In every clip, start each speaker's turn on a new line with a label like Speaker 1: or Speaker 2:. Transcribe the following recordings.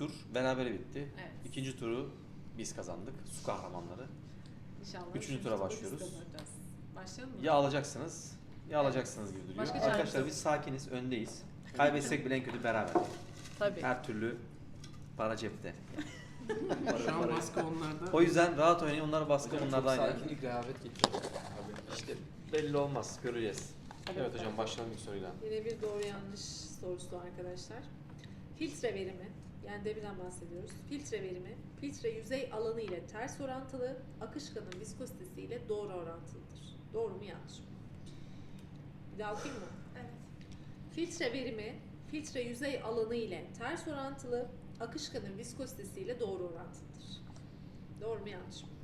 Speaker 1: tur berabere bitti.
Speaker 2: Evet.
Speaker 1: İkinci turu biz kazandık. Su kahramanları.
Speaker 2: İnşallah.
Speaker 1: Üçüncü tura başlıyoruz.
Speaker 2: Başlayalım mı?
Speaker 1: Ya alacaksınız ya alacaksınız gibi duruyor.
Speaker 2: Başka çaremiz
Speaker 1: Arkadaşlar
Speaker 2: yok.
Speaker 1: biz sakiniz, öndeyiz. Kaybetsek bile en kötü beraber.
Speaker 2: Tabii.
Speaker 1: Her türlü para cepte.
Speaker 3: Şu an baskı onlarda.
Speaker 1: O yüzden rahat oynayın. Onlar baskı,
Speaker 4: Hocam
Speaker 1: bunlar
Speaker 4: çok
Speaker 1: da aynı.
Speaker 4: sakinlik, rehavet getiriyor.
Speaker 1: İşte belli olmaz. Göreceğiz. Evet hocam, başlayalım ilk soruyla.
Speaker 2: Yine bir doğru yanlış sorusu arkadaşlar. Filtre verimi, yani deminden bahsediyoruz. Filtre verimi, filtre yüzey alanı ile ters orantılı, akışkanın viskozitesi ile doğru orantılıdır. Doğru mu yanlış mı? Bir daha okuyayım mı?
Speaker 5: Evet.
Speaker 2: Filtre verimi, filtre yüzey alanı ile ters orantılı, akışkanın viskozitesi ile doğru orantılıdır. Doğru mu yanlış mı?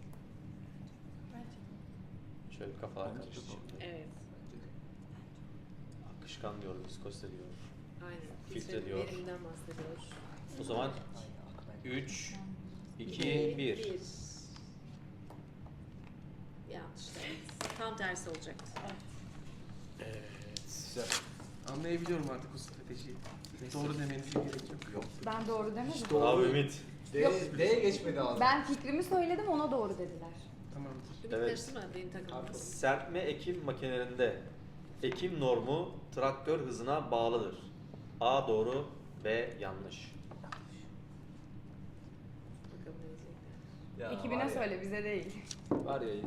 Speaker 1: Şöyle bir kafalar karıştı şimdi.
Speaker 2: Evet.
Speaker 1: Akışkan diyor, viskozite diyor.
Speaker 2: Aynen.
Speaker 1: Filtre diyor.
Speaker 2: Veriminden bahsediyoruz.
Speaker 1: O zaman 3, 2, 1.
Speaker 2: Yanlış. Evet. Tam tersi olacaktı.
Speaker 1: Evet.
Speaker 4: Güzel.
Speaker 3: Anlayabiliyorum artık o stratejiyi. Doğru demenize gerek yok.
Speaker 5: Ben doğru demedim.
Speaker 4: İşte o-
Speaker 1: Abi Ümit.
Speaker 4: D'ye geçmedi ağzı.
Speaker 5: Ben fikrimi söyledim, ona doğru dediler.
Speaker 3: Tamamdır.
Speaker 2: Ümit
Speaker 1: Evet.
Speaker 2: karıştırma benim takımımı.
Speaker 1: Serpme ekim makinelerinde ekim normu traktör hızına bağlıdır. A doğru, B yanlış.
Speaker 2: Bakalım ne diyecekler.
Speaker 4: Ya,
Speaker 5: Ekibine
Speaker 4: var ya,
Speaker 5: söyle, bize değil.
Speaker 4: Var ya.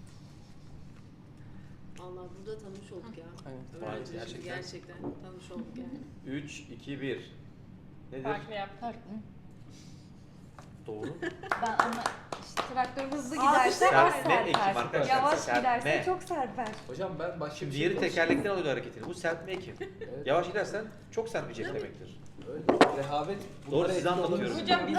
Speaker 2: Allah, burada tanımış olduk ya.
Speaker 3: Aynen.
Speaker 1: Vay,
Speaker 2: Öğrenci
Speaker 1: gerçekten.
Speaker 2: gerçekten tanımış olduk yani.
Speaker 1: 3, 2, 1. Nedir?
Speaker 5: Farklı yap. Farklı.
Speaker 1: Doğru.
Speaker 5: Ben ama işte traktör hızlı giderse az
Speaker 1: Serpme ekim
Speaker 5: serper.
Speaker 1: arkadaşlar.
Speaker 5: Yavaş
Speaker 1: Serpme.
Speaker 5: giderse çok serper.
Speaker 4: Hocam ben başka
Speaker 1: Şimdi
Speaker 4: bir
Speaker 1: diğeri
Speaker 4: şey
Speaker 1: tekerlekten alıyor hareketini. Bu serpme ekim.
Speaker 4: Evet.
Speaker 1: Yavaş gidersen çok serpecek demektir.
Speaker 4: Öyle. Rehavet.
Speaker 1: Doğru,
Speaker 4: bunlara
Speaker 1: size
Speaker 4: etkili
Speaker 1: anlatıyorum.
Speaker 4: olabilir.
Speaker 5: Hocam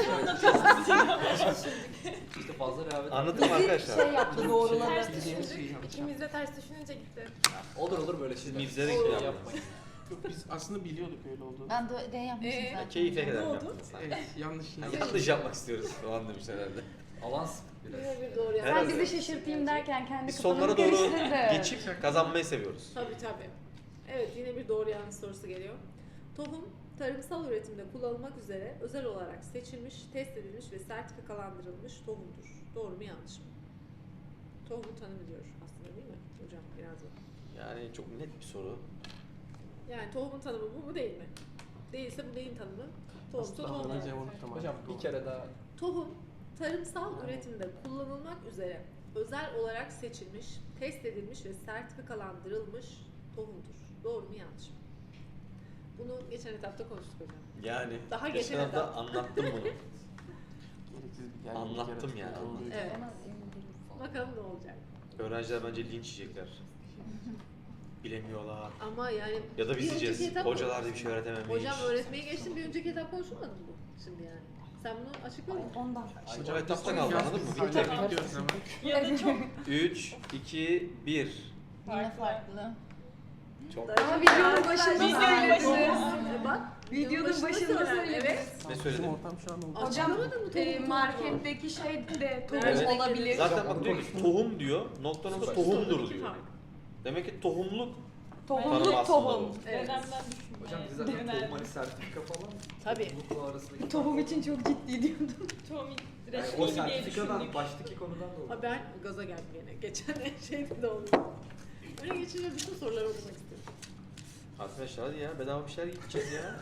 Speaker 5: biz
Speaker 4: İşte fazla rehavet.
Speaker 1: Anlatın arkadaşlar.
Speaker 5: şey yaptı, doğruladı.
Speaker 3: Bildiğimiz şeyi yapacağım.
Speaker 5: İkimiz de ters düşününce gitti.
Speaker 4: Olur böyle şeyler.
Speaker 1: Mizlere
Speaker 4: Olur,
Speaker 1: yapmayın.
Speaker 4: yapmayın.
Speaker 3: Yok, biz aslında biliyorduk öyle olduğunu.
Speaker 5: Ben de D yapmışım zaten.
Speaker 1: Keyfe kadar
Speaker 2: Ne oldu?
Speaker 1: yaptınız.
Speaker 3: Evet, yanlış.
Speaker 1: Yanlış yapmak istiyoruz falan demiş herhalde.
Speaker 4: Avans biraz.
Speaker 2: Yine bir doğru
Speaker 5: Sen
Speaker 1: Herhalde.
Speaker 5: bizi şaşırtayım derken kendi
Speaker 1: Biz
Speaker 5: kafanı
Speaker 1: sonlara doğru
Speaker 5: karıştırdı.
Speaker 1: geçip kazanmayı seviyoruz.
Speaker 2: Tabii. Evet, yine bir doğru yanlış sorusu geliyor. Tohum, tarımsal üretimde kullanılmak üzere özel olarak seçilmiş, test edilmiş ve sertifikalandırılmış tohumdur. Doğru mu yanlış mı? Tohumu tanımlıyor aslında, değil mi hocam? Biraz da.
Speaker 1: Yani çok net bir soru.
Speaker 2: Yani tohumun tanımı bu mu değil mi? Değilse bu neyin tanımı? Tohumsa
Speaker 3: Aslında
Speaker 2: tohum.
Speaker 3: bana cevap tamam.
Speaker 4: Hocam bir kere daha.
Speaker 2: Tohum, tarımsal üretimde kullanılmak üzere özel olarak seçilmiş, test edilmiş ve sertifikalandırılmış tohumdur. Doğru mu yanlış mı? Bunu geçen etapta konuştuk hocam.
Speaker 1: Yani
Speaker 2: Daha
Speaker 1: geçen
Speaker 2: geçen
Speaker 1: hafta
Speaker 2: etap.
Speaker 1: anlattım bunu.
Speaker 3: Gereksiz bir gerginlik
Speaker 1: Anlattım
Speaker 3: yaratıyor
Speaker 1: yani.
Speaker 3: olduğu için.
Speaker 2: Evet. Bakalım ne olacak.
Speaker 1: Öğrenciler bence linç yiyecekler. Bilemiyorlar.
Speaker 2: Ama yani
Speaker 1: Ya da biz
Speaker 2: bir önceki
Speaker 1: yiyeceğiz.
Speaker 2: etap-
Speaker 1: Hocalar da bir şey öğretememiş.
Speaker 2: Hocam öğretmeye geçtim, bir önceki etap konuşulmadı mı bu şimdi yani? Sen bunu açıkladın mı?
Speaker 5: Ondan.
Speaker 1: O etapta kaldı, anladın mı?
Speaker 3: Hala
Speaker 1: Bitti.
Speaker 3: bekliyoruz ama.
Speaker 5: Ya da çok
Speaker 1: 3, 2, 1.
Speaker 5: yine farklı.
Speaker 1: Çok.
Speaker 5: Ama videonun başında
Speaker 2: Videonun
Speaker 5: söylediniz.
Speaker 2: Bak,
Speaker 5: Videonun başında
Speaker 2: söylendi.
Speaker 5: söylediniz.
Speaker 2: Evet.
Speaker 1: Ne
Speaker 3: Bizim
Speaker 1: söyledin?
Speaker 3: ortam şu an oldu.
Speaker 5: Hocam
Speaker 2: Açıklamadın mı tohumu?
Speaker 5: marketteki şey de tohum
Speaker 1: Evet.
Speaker 5: olabilir.
Speaker 1: Zaten bak diyor ki tohum diyor, noktanın da tohumdur
Speaker 2: İki
Speaker 1: diyor.
Speaker 2: fark.
Speaker 1: Demek ki tohumluk
Speaker 5: Tohumluk
Speaker 1: tanımı aslında
Speaker 5: tohum.
Speaker 1: bu.
Speaker 2: Evet.
Speaker 4: Hocam biz zaten tohum hani sertifika falan.
Speaker 2: Tabii.
Speaker 4: Tohumlukla arasındaki.
Speaker 5: Tohum için çok ciddi diyordum.
Speaker 4: Yani o sertifikadan baştaki konudan da olur.
Speaker 2: Ha, ben gaza geldim yine. Geçen şeyde de oldu. Öyle geçince bütün soruları okumak istedim.
Speaker 1: Arkadaşlar hadi ya, bedava bir şeyler yiyeceğiz ya.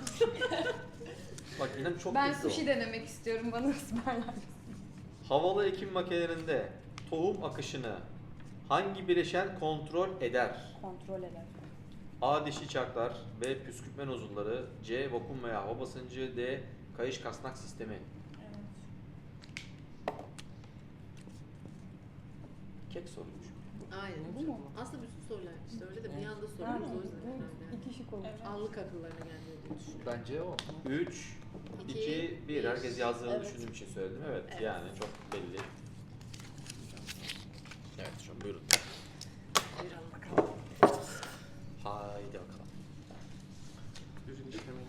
Speaker 1: Bak inan çok
Speaker 5: Ben
Speaker 1: kötü o.
Speaker 5: sushi denemek istiyorum, bana ısmarlar.
Speaker 1: Havalı ekim makinelerinde tohum akışını hangi bileşen kontrol eder?
Speaker 5: Kontrol eder.
Speaker 1: A. Dişi çarklar, B. Püskürtme nozulları, C. Vakum veya hava basıncı, D. Kayış kasnak sistemi. Kek soruymuş.
Speaker 2: Aynen.
Speaker 5: Bu mu?
Speaker 2: Aslında bütün sorular işte öyle de bir anda soruyoruz o yüzden herhalde.
Speaker 5: İki şık olur.
Speaker 2: Allık akıllarına gelmiyor diye düşünüyorum.
Speaker 4: Bence o.
Speaker 1: 3,
Speaker 2: İki,
Speaker 1: 2, 1.
Speaker 2: bir.
Speaker 1: Herkes yazdığını
Speaker 2: Evet.
Speaker 1: düşündüğüm için söyledim. Evet,
Speaker 2: Evet.
Speaker 1: yani çok belli. Evet, şu an buyurun.
Speaker 2: Buyurun bakalım.
Speaker 1: Haydi bakalım.
Speaker 3: Ürün işlemeyi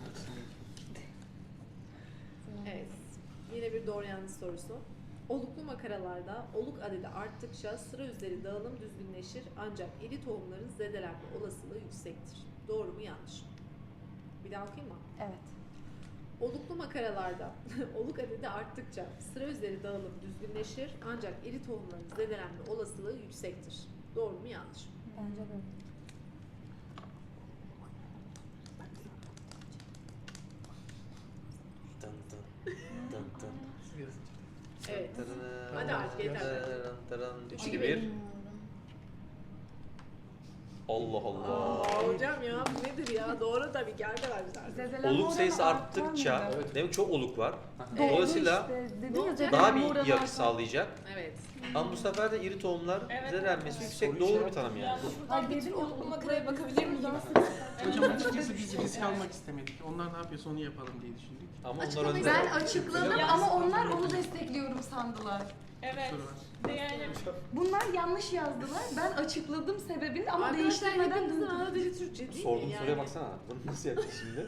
Speaker 2: Evet. Yine bir doğru yanlış sorusu. Oluklu makaralarda oluk adedi arttıkça sıra üzeri dağılım düzgünleşir ancak iri tohumların zedelenme olasılığı yüksektir. Doğru mu yanlış mı? Bir daha okuyayım mı?
Speaker 5: Evet.
Speaker 2: Oluklu makaralarda oluk adedi arttıkça sıra üzeri dağılım düzgünleşir ancak iri tohumların zedelenme olasılığı yüksektir. Doğru mu yanlış mı?
Speaker 5: Bence de.
Speaker 1: Dın dın, dın dın.
Speaker 2: Evet.
Speaker 1: Tırırın,
Speaker 2: Hadi artık yeter.
Speaker 1: tırırın, tırırın.
Speaker 2: Üç,
Speaker 1: 3,
Speaker 2: iki,
Speaker 1: 2,
Speaker 2: bir.
Speaker 1: 1. Allah Allah.
Speaker 2: Aa, hocam ya bu nedir ya? Doğru tabii ki arkadaşlar.
Speaker 5: Zedelenme
Speaker 1: Oluk
Speaker 5: oranı
Speaker 1: sayısı
Speaker 5: artar
Speaker 1: arttıkça,
Speaker 5: mıydı?
Speaker 1: demek çok oluk var.
Speaker 5: Doğru
Speaker 1: Dolayısıyla
Speaker 5: işte, dedin
Speaker 2: Ne
Speaker 5: ya,
Speaker 2: olacak?
Speaker 1: daha
Speaker 5: zedelenme
Speaker 1: bir
Speaker 5: oranı
Speaker 1: yakı
Speaker 5: artar.
Speaker 1: sağlayacak.
Speaker 2: Evet.
Speaker 1: Ama bu sefer de iri tohumlar
Speaker 6: Evet,
Speaker 1: zedelenmesi
Speaker 6: evet.
Speaker 1: yüksek. Doğru bir tanım yani.
Speaker 5: Ay dedin ya,
Speaker 6: Oluklu makaraya bakabilir miyim?
Speaker 3: Hocam açıkçası biz risk almak istemedik. Onlar ne yapıyorsa onu yapalım diye düşündük.
Speaker 1: Ama onlar
Speaker 2: Açıklamayı
Speaker 1: önde.
Speaker 5: Ben açıkladım ama onlar onu destekliyorum sandılar.
Speaker 6: Evet.
Speaker 3: Soru var.
Speaker 6: De yani
Speaker 5: Bunlar yanlış yazdılar. Ben açıkladım sebebini ama
Speaker 2: Arkadaşlar
Speaker 5: değiştirmeden
Speaker 2: hepinizin
Speaker 5: döndüm.
Speaker 2: ana dili Türkçe değil
Speaker 1: Sorduğum
Speaker 2: mi yani?
Speaker 1: soruya baksana. Bunu nasıl yapacağız şimdi?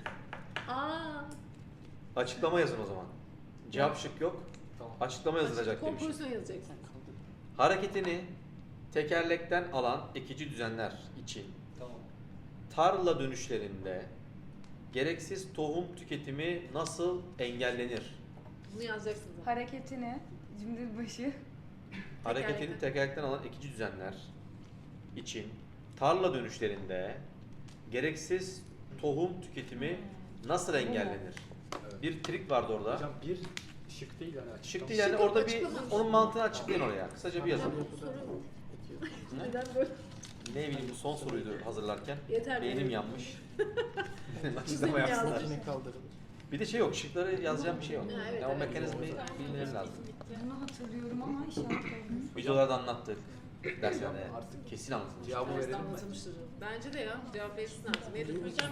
Speaker 2: Aa.
Speaker 1: Açıklama yazın o zaman. Cevap şık yok.
Speaker 4: Tamam.
Speaker 1: Açıklama yazılacak demiş.
Speaker 2: Kompozisyon yazacaksın.
Speaker 1: Hareketini tekerlekten alan ekici düzenler için
Speaker 4: Tamam.
Speaker 1: tarla dönüşlerinde gereksiz tohum tüketimi nasıl engellenir?
Speaker 2: Bunu yazacaksın zaten.
Speaker 5: Hareketini, cümle başı.
Speaker 1: Hareketini tekerlekten alan ekici düzenler için tarla dönüşlerinde gereksiz tohum tüketimi nasıl engellenir?
Speaker 4: Evet.
Speaker 1: Bir trik vardı orada.
Speaker 4: Hocam bir şık değil yani.
Speaker 1: Şık
Speaker 4: açıklama.
Speaker 1: değil yani
Speaker 2: Şık
Speaker 1: orada
Speaker 2: yok,
Speaker 1: bir
Speaker 2: açıklama.
Speaker 1: onun mantığını açıklayın oraya. Kısaca bir yazın.
Speaker 2: Hocam bu soru neden böyle?
Speaker 1: Ne bileyim bu son soruydu hazırlarken.
Speaker 2: Yeter
Speaker 1: Beynim
Speaker 2: benim.
Speaker 1: yanmış.
Speaker 2: Çizim
Speaker 1: Açıklama yapsınlar.
Speaker 2: yazdım.
Speaker 3: Yine kaldırılır.
Speaker 1: Bir de şey yok, şıkları yazacağım bir şey yok.
Speaker 2: Ha, evet,
Speaker 1: Yani o
Speaker 2: evet.
Speaker 1: mekanizmayı bilmeleri lazım.
Speaker 5: Bunu hatırlıyorum ama işaret olmuş.
Speaker 1: Videolarda anlattık. Derslerde artık kesin anlatılmış.
Speaker 4: Cevabı
Speaker 2: Derste
Speaker 4: verelim mi?
Speaker 2: anlatılmıştır. Bence de ya. Cevap verirsin artık. Nedir hocam?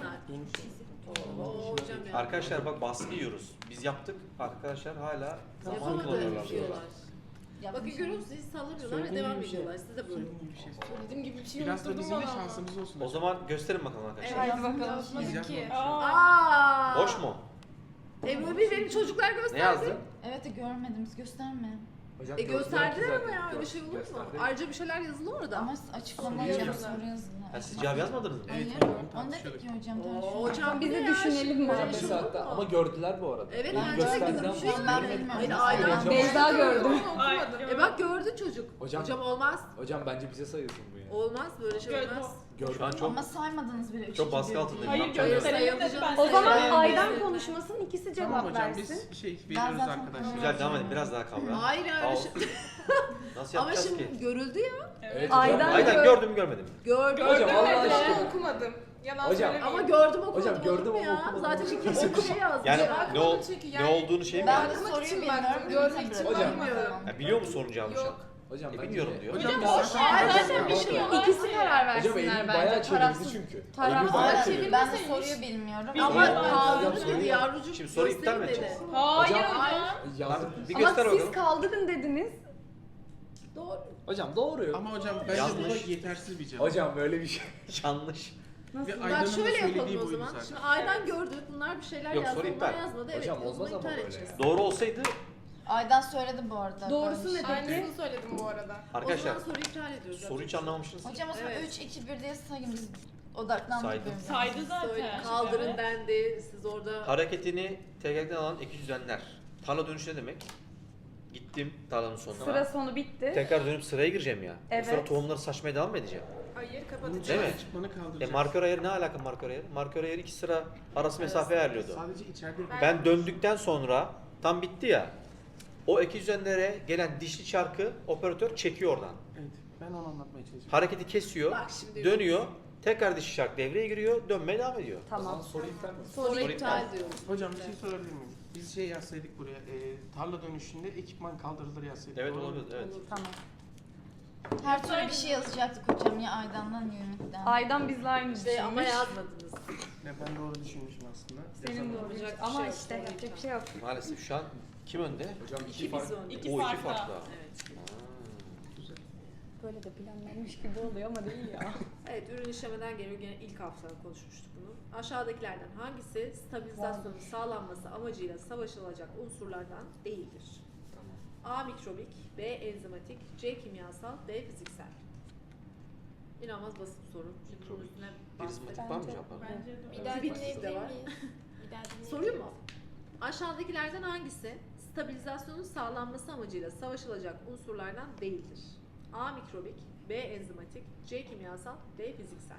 Speaker 2: Oo hocam ya.
Speaker 1: Arkadaşlar bak baskı yiyoruz. Biz yaptık. Arkadaşlar hala zaman
Speaker 2: Yapamadı
Speaker 1: kullanıyorlar.
Speaker 2: diyorlar. Bakın görüyor musunuz? Hiç sallamıyorlar ve
Speaker 3: Söylediğim
Speaker 2: devam
Speaker 3: gibi bir şey.
Speaker 2: ediyorlar. Siz de böyle.
Speaker 3: Söylediğim gibi bir şey.
Speaker 6: söylediğim gibi bir şey
Speaker 3: Biraz da
Speaker 6: unutturdum
Speaker 3: bizim de
Speaker 6: bana.
Speaker 3: şansımız olsun.
Speaker 1: O zaman gösterin bakalım arkadaşlar.
Speaker 5: Haydi bakalım.
Speaker 6: Yazmadı ki.
Speaker 2: Aa!
Speaker 1: Boş mu?
Speaker 2: Ebru bir benim çocuklar gösterdi.
Speaker 1: Ne yazdın?
Speaker 7: Evet de görmedim. Gösterme.
Speaker 4: Hocam
Speaker 2: Gösterdiler
Speaker 4: zaten.
Speaker 2: ama ya öyle şey olur mu?
Speaker 4: Gösterdi.
Speaker 2: Ayrıca bir şeyler yazılı orada.
Speaker 7: Ama açıklama
Speaker 3: Soru
Speaker 7: hocam
Speaker 3: yazın.
Speaker 7: soru yazın.
Speaker 1: Ha, siz cevap yazmadınız mı?
Speaker 7: Hayır.
Speaker 3: Evet,
Speaker 7: Onu dedik ki hocam.
Speaker 2: Oo,
Speaker 7: tartışıyoruz.
Speaker 2: hocam
Speaker 5: Bizi
Speaker 2: bir de ya,
Speaker 5: düşünelim
Speaker 2: şimdi
Speaker 5: mi?
Speaker 2: böyle
Speaker 4: Hocam
Speaker 2: şey
Speaker 4: bir
Speaker 2: olur
Speaker 4: saatte
Speaker 2: mu?
Speaker 4: ama gördüler bu arada.
Speaker 2: Evet,
Speaker 4: Benim
Speaker 2: bence de
Speaker 4: gösterdiğim
Speaker 2: görmüş.
Speaker 4: zaman
Speaker 7: Ben
Speaker 4: görmedim.
Speaker 7: bilmiyorum.
Speaker 2: Hayır, aynen.
Speaker 4: Hocam-
Speaker 5: Beyza gördüm.
Speaker 6: Ay,
Speaker 2: Bak gördü çocuk.
Speaker 4: Hocam-
Speaker 2: Hocam olmaz.
Speaker 4: Hocam bence bize sayılsın bu ya.
Speaker 2: Olmaz böyle şey
Speaker 6: Gördüm.
Speaker 2: olmaz.
Speaker 1: Şu an çok
Speaker 7: Ama saymadınız bile.
Speaker 1: çok baskı altındayım.
Speaker 6: Hayır
Speaker 1: Ne yapacağım
Speaker 6: gösterelim
Speaker 1: bilmiyorum.
Speaker 6: dedi ben
Speaker 5: O zaman
Speaker 2: Evet.
Speaker 5: Aydan
Speaker 2: Evet.
Speaker 5: konuşmasın, ikisi
Speaker 3: Tamam
Speaker 5: cevap
Speaker 3: hocam
Speaker 5: versin.
Speaker 3: biz şey veriyoruz
Speaker 7: zaten
Speaker 3: arkadaşlar.
Speaker 1: Güzel devam edin. Biraz daha kavra.
Speaker 2: Hayır ya öyle
Speaker 1: Al.
Speaker 2: şey.
Speaker 1: Nasıl
Speaker 2: Ama
Speaker 1: yapacağız
Speaker 2: şimdi
Speaker 1: ki?
Speaker 2: görüldü ya.
Speaker 4: Evet
Speaker 5: Aydan-
Speaker 4: hocam.
Speaker 1: Aydan gördüm mü görmedim mi?
Speaker 2: Gördüm.
Speaker 4: Hocam, Allah
Speaker 6: Gördüm
Speaker 4: aşkına.
Speaker 6: ama okumadım. Yalan
Speaker 4: Hocam,
Speaker 6: söylemeyeyim.
Speaker 2: Ama gördüm okumadım.
Speaker 4: Hocam, gördüm
Speaker 2: olur mu
Speaker 4: ama
Speaker 2: ya?
Speaker 4: okumadım.
Speaker 2: Zaten iki şey yazdı.
Speaker 1: Yani
Speaker 2: Ya.
Speaker 1: ne,
Speaker 6: çünkü
Speaker 1: ne
Speaker 6: yani-
Speaker 1: olduğunu şey mi
Speaker 7: Ben
Speaker 1: yani?
Speaker 7: de
Speaker 6: Bakmak
Speaker 7: soruyu
Speaker 6: için
Speaker 7: bilmiyorum.
Speaker 6: baktım, görmek için
Speaker 4: Hocam.
Speaker 6: bakmıyorum.
Speaker 1: Ya biliyor mu sorunun cevabını şu an?
Speaker 6: Yok.
Speaker 4: Hocam ben
Speaker 1: bilmiyorum diyor.
Speaker 3: Hocam
Speaker 6: Hocam boş ver.
Speaker 2: Hayır,
Speaker 6: Zaten bir şey yok.
Speaker 5: İkisi karar
Speaker 4: Hocam
Speaker 5: versinler
Speaker 4: Eylül
Speaker 5: bence.
Speaker 4: bayağı çevirdi
Speaker 5: Tarafsız.
Speaker 4: çünkü.
Speaker 5: Tarafsız.
Speaker 4: Eylül bayağı
Speaker 2: Ama
Speaker 4: çevirdi.
Speaker 7: Ben de soruyu bilmiyorum.
Speaker 2: Ama
Speaker 4: Hocam,
Speaker 2: kaldırdı
Speaker 4: soruyu-
Speaker 2: dedi yavrucuk.
Speaker 1: Şimdi soruyu iptal mi
Speaker 2: gösterin
Speaker 1: edeceğiz?
Speaker 2: dedi.
Speaker 6: Hayır
Speaker 4: Hocam-
Speaker 6: hocam.
Speaker 4: Yazdım.
Speaker 1: Bir
Speaker 5: Ama
Speaker 1: göster
Speaker 5: siz
Speaker 1: bakalım.
Speaker 5: kaldırın dediniz.
Speaker 2: Doğru.
Speaker 4: Hocam doğru.
Speaker 3: Ama hocam bence
Speaker 1: Yanlış.
Speaker 3: bu da yetersiz bir cevap.
Speaker 4: Hocam böyle bir şey.
Speaker 1: Yanlış.
Speaker 3: Ve
Speaker 2: Bak
Speaker 3: Aydan'ın da
Speaker 2: şöyle
Speaker 3: söylediği
Speaker 2: yapalım o
Speaker 3: buydu
Speaker 2: zaman.
Speaker 3: zaten.
Speaker 2: Şimdi Aydan gördü. Bunlar bir şeyler
Speaker 1: Yok,
Speaker 2: yazdı.
Speaker 1: soru
Speaker 2: Onlar
Speaker 1: iptal.
Speaker 2: yazmadı. Evet.
Speaker 4: Hocam
Speaker 2: o zaman
Speaker 4: olmaz ama
Speaker 2: iptal
Speaker 4: böyle
Speaker 2: edeceğiz.
Speaker 4: ya.
Speaker 1: Doğru olsaydı
Speaker 7: Aydan söyledi bu arada.
Speaker 5: Doğrusu
Speaker 7: Ben-
Speaker 5: ne peki?
Speaker 6: Aynısını söyledim bu arada.
Speaker 1: arkadaşlar
Speaker 2: O zaman soruyu iptal ediyoruz.
Speaker 1: soruyu hiç anlamamışsınız.
Speaker 7: Hocam o zaman
Speaker 2: Evet.
Speaker 7: 3, 2, 1 diye sayın biz odaklandık.
Speaker 1: Saydım.
Speaker 7: birbirimize.
Speaker 6: Saydı zaten.
Speaker 2: Kaldırın
Speaker 6: Evet.
Speaker 2: dendi. Siz orada
Speaker 1: Hareketini tekerlekten alan ekici düzenler. Tarla dönüşü ne demek? Gittim tarlanın sonuna.
Speaker 5: Sıra sonu bitti.
Speaker 1: Tekrar dönüp sıraya gireceğim ya.
Speaker 5: Evet.
Speaker 1: Sonra tohumları saçmaya devam mı edeceğim?
Speaker 6: Hayır
Speaker 3: Bunun
Speaker 6: kapatacağız.
Speaker 1: Değil mi?
Speaker 3: çıkmanı kaldıracağız.
Speaker 1: Markör ayarı ne alaka markör ayarı? Markör ayarı iki sıra arası mesafe ayarlıyordu.
Speaker 3: Sadece içeride
Speaker 1: Ben döndükten sonra tam bitti ya. O ekici düzenlere gelen dişli çarkı operatör çekiyor oradan.
Speaker 3: Evet, ben onu anlatmaya çalışıyorum.
Speaker 1: Hareketi kesiyor,
Speaker 2: bak şimdi
Speaker 1: dönüyor. Tekrar dişli çark devreye giriyor, dönmeye devam ediyor.
Speaker 4: O zaman
Speaker 5: Tamam.
Speaker 4: soru iptal mi?
Speaker 2: soru
Speaker 1: Soru
Speaker 2: iptal
Speaker 1: iptal.
Speaker 2: diyoruz.
Speaker 3: Hocam bir şey sorabilir miyim? Biz şey yazsaydık buraya, tarla dönüşünde ekipman kaldırılır yazsaydık.
Speaker 1: Evet
Speaker 3: doğru mu?
Speaker 1: olabilir, evet.
Speaker 2: Olur.
Speaker 5: Tamam.
Speaker 7: Her türlü bir şey yazacaktık hocam ya Aydan'dan ya Ümit'ten.
Speaker 5: Aydan bizle aynı
Speaker 2: İşte ama
Speaker 5: düşünmüş.
Speaker 2: yazmadınız.
Speaker 3: Ne, ben doğru düşünmüşüm aslında.
Speaker 5: Senin
Speaker 3: Yazamadım.
Speaker 5: doğru.
Speaker 2: Yapacak bir
Speaker 5: Ama
Speaker 2: şey yok,
Speaker 5: işte
Speaker 2: doğru
Speaker 5: yapacak
Speaker 2: iptal.
Speaker 5: bir şey yok.
Speaker 1: Maalesef şu an kim önde?
Speaker 4: Hocam
Speaker 2: İki biz önde.
Speaker 1: O
Speaker 6: İki
Speaker 1: iki
Speaker 6: farklı.
Speaker 1: farklı.
Speaker 2: Evet.
Speaker 3: Güzel.
Speaker 5: Böyle de planlanmış gibi oluyor ama değil ya.
Speaker 2: Evet, ürün işlemeden geliyor. Gene ilk hafta konuşmuştuk bunu. Aşağıdakilerden hangisi stabilizasyonun sağlanması amacıyla savaşılacak unsurlardan değildir? A. Mikrobik, B. Enzimatik, C. Kimyasal, D. Fiziksel. İnanılmaz basit bir soru. Çünkü bunun üstüne
Speaker 1: Prizmatik var mı cevaplar?
Speaker 6: Bence de.
Speaker 7: Bir daha
Speaker 2: Bitkisi de
Speaker 7: dinleyebilir
Speaker 2: var.
Speaker 7: miyiz?
Speaker 2: Sorayım mı? Aşağıdakilerden hangisi stabilizasyonun sağlanması amacıyla savaşılacak unsurlardan değildir? A. Mikrobik, B. Enzimatik, C. Kimyasal, D. Fiziksel.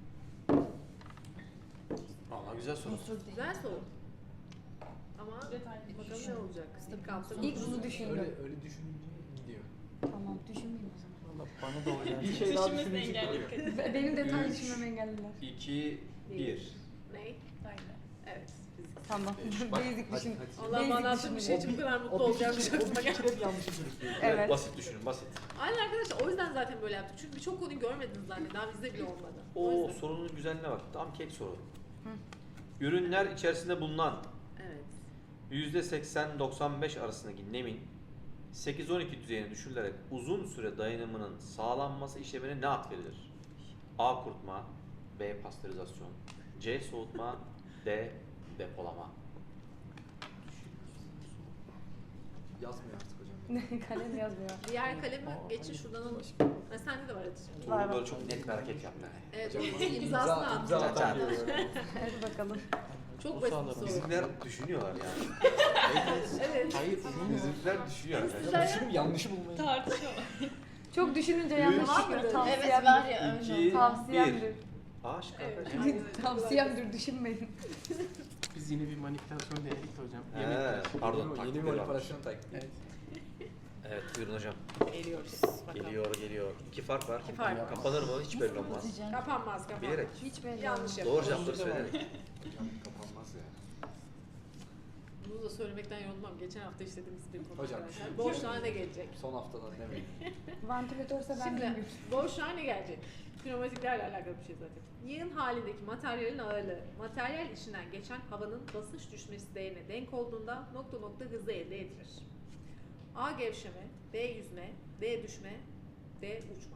Speaker 1: Vallahi güzel soru.
Speaker 7: Unsur değil.
Speaker 2: Güzel soru. Ama bakalım ne olacak? İlk hafta
Speaker 5: İlk bunu düşündüm.
Speaker 4: Öyle düşününce gidiyor.
Speaker 5: Tamam düşünmeyeyim o zaman.
Speaker 3: Valla bana da öyle.
Speaker 4: Bir şey daha düşününce
Speaker 5: Benim detay
Speaker 1: Üç.
Speaker 5: düşünmemi engellediler.
Speaker 1: 2, 1.
Speaker 2: Ne? Evet. Fiziksel.
Speaker 5: Tamam. Basic düşün.
Speaker 2: Allah
Speaker 5: Basic
Speaker 2: bana attığın bir şey için bu kadar mutlu olacağım hiç aklıma gelmedi.
Speaker 4: fikir hep yanlış sürüklüyor.
Speaker 5: Evet.
Speaker 1: Basit düşünün, basit.
Speaker 2: Aynen arkadaşlar o yüzden zaten böyle yaptık. Çünkü birçok konuyu görmediniz zaten. Daha bizde bile olmadı. O
Speaker 1: O
Speaker 2: yüzden.
Speaker 1: sorunun güzelliğine bak. Tam kek soru. Ürünler içerisinde bulunan
Speaker 2: Evet.
Speaker 1: %80-95 arasındaki nemin 8-12 düzeyine düşürülerek uzun süre dayanımının sağlanması işlemine ne ad verilir? A. Kurutma, B. Pastörizasyon, C. Soğutma, D. Depolama.
Speaker 4: Yazmıyor artık hocam.
Speaker 5: Kalem yazmıyor.
Speaker 2: Diğer kalemi geçin şuradan alın. Ha, sende de var Hatice.
Speaker 5: Var,
Speaker 1: Bunu
Speaker 5: var.
Speaker 1: böyle çok net bir hareket yaptı.
Speaker 2: Evet,
Speaker 4: Hocam,
Speaker 2: onun imzasını attı.
Speaker 4: imza atan geliyor.
Speaker 5: Hadi bakalım.
Speaker 2: Çok
Speaker 3: O
Speaker 2: basit
Speaker 3: sağlar.
Speaker 2: bir soru.
Speaker 1: Bizimkiler düşünüyorlar yani.
Speaker 2: Evet.
Speaker 3: Hayır.
Speaker 1: Bizimkiler düşünüyor yani.
Speaker 2: Sizler-
Speaker 4: Düşünüp yanlışı bulmayı.
Speaker 5: Çok düşününce yanlış
Speaker 2: Var
Speaker 5: çıkıyor.
Speaker 2: mıdır?
Speaker 7: Evet
Speaker 5: Tavsiyemdir.
Speaker 7: var ya önce.
Speaker 1: İki,
Speaker 5: Tavsiyemdir.
Speaker 1: Aşk
Speaker 2: Evet.
Speaker 5: Tavsiyemdir düşünmeyin.
Speaker 3: Biz yine bir manipülasyon denedik de hocam.
Speaker 1: He,
Speaker 3: Yemekler.
Speaker 1: pardon.
Speaker 4: Yeni bir
Speaker 1: taktikleri varmış.
Speaker 4: manipülasyon taktiği.
Speaker 3: Evet.
Speaker 1: Evet buyurun hocam.
Speaker 2: Geliyoruz. Bakalım.
Speaker 1: Geliyor. İki fark var.
Speaker 2: İki fark var.
Speaker 1: Kapanır mı? Hiç belli olmaz.
Speaker 7: Kapatacağım.
Speaker 2: Kapanmaz kapanmaz.
Speaker 1: Bilerek.
Speaker 5: Hiç belli
Speaker 2: Yanlış
Speaker 5: olmaz.
Speaker 2: yapıyoruz.
Speaker 1: Doğru cevapları söyleyerek.
Speaker 4: Hocam kapanmaz ya.
Speaker 2: Bunu da söylemekten yorulmam. Geçen hafta işlediğimiz bir konu
Speaker 4: Hocam,
Speaker 2: arkadaşlar.
Speaker 4: şimdi-
Speaker 2: Boşluğa ne gelecek?
Speaker 4: Son haftadan demeyin.
Speaker 5: Vantilatörse ben
Speaker 2: Şimdi
Speaker 5: bilmiyorum.
Speaker 2: boşluğa ne gelecek? Pneumatiklerle alakalı bir şey zaten. Yığın halindeki materyalin ağırlığı, materyal içinden geçen havanın basınç düşmesi değerine denk olduğunda nokta nokta hızı elde edilir. A. Gevşeme, B. Yüzme, D. Düşme, D. Uçma.